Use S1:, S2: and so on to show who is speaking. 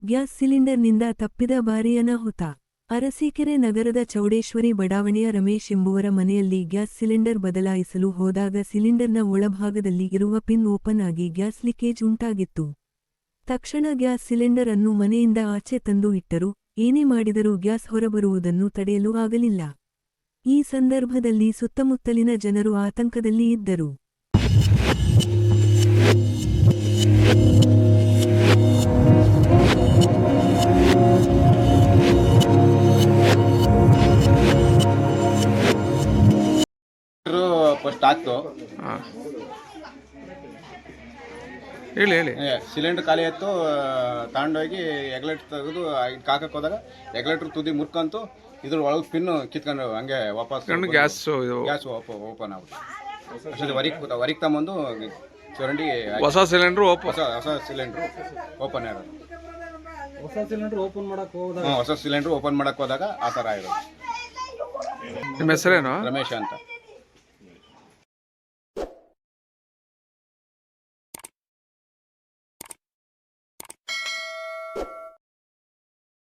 S1: Gas ಸಿಲಿಂಡರ್ನಿಂದ ತಪ್ಪಿದ ಭಾರೀ ಅನಾಹುತ. ಅರಸೀಕೆರೆ ನಗರದ ಚೌಡೇಶ್ವರಿ ಬಡಾವಣೆಯ ರಮೇಶ್ ಎಂಬುವರ ಮನೆಯಲ್ಲಿ ಗ್ಯಾಸ್ ಸಿಲಿಂಡರ್ ಬದಲಾಯಿಸಲು ಹೋದಾಗ ಸಿಲಿಂಡರ್ನ ಒಳಭಾಗದಲ್ಲಿ ಇರುವ ಪಿನ್ ಓಪನ್ ಆಗಿ ಗ್ಯಾಸ್ ಲೀಕೇಜ್ ಉಂಟಾಗಿತ್ತು. ತಕ್ಷಣ ಗ್ಯಾಸ್ ಸಿಲಿಂಡರ್ ಅನ್ನು ಮನೆಯಿಂದ ಆಚೆ ತಂದು ಇಟ್ಟರು. ಏನೇ ಮಾಡಿದರೂ ಗ್ಯಾಸ್ ಹೊರಬರುವುದನ್ನು ತಡೆಯಲು ಆಗಲಿಲ್ಲ. ಈ ಸಂದರ್ಭದಲ್ಲಿ ಸುತ್ತಮುತ್ತಲಿನ ಜನರು ಆತಂಕದಲ್ಲಿ ಇದ್ದರು.
S2: ಫಸ್ಟ್ ಆಗ್ತು
S3: ಹೇಳಿ ಹೇಳಿ.
S2: ಸಿಲಿಂಡರ್ ಖಾಲಿ ಆಯ್ತು. ತಗೊಂಡೋಗಿ ಎಗ್ಲೆಟ್ ತೆಗೆದು ಹಾಕಕ್ಕೆ ಹೋದಾಗ ಎಗ್ಲೆಟ್ರ್ ತುದಿ ಮುರ್ಕಂತು ಇದ್ರ ಒಳಗೆ ಪಿನ್ನು ಕಿತ್ಕೊಂಡು ಹಂಗೆ ವಾಪಸ್
S3: ಗ್ಯಾಸ್
S2: ಓಪನ್ ಆಗುತ್ತೆ. ಅಷ್ಟೊಂದು ಹೊರಗೆ ತಗೊಂಬಂದು ಚರಂಡಿ
S3: ಹೊಸ ಸಿಲಿಂಡ್ರು
S2: ಹೊಸ ಸಿಲಿಂಡ್ರು ಓಪನ್ ಇರೋದು.
S4: ಹೊಸ ಸಿಲಿಂಡರ್ ಓಪನ್ ಮಾಡಕ್ಕೆ ಹೋದಾಗ
S2: ಆ ಥರ ಇರೋದು.
S3: ನಿಮ್ಮ ಹೆಸರೇನು?
S2: ರಮೇಶ್ ಅಂತ.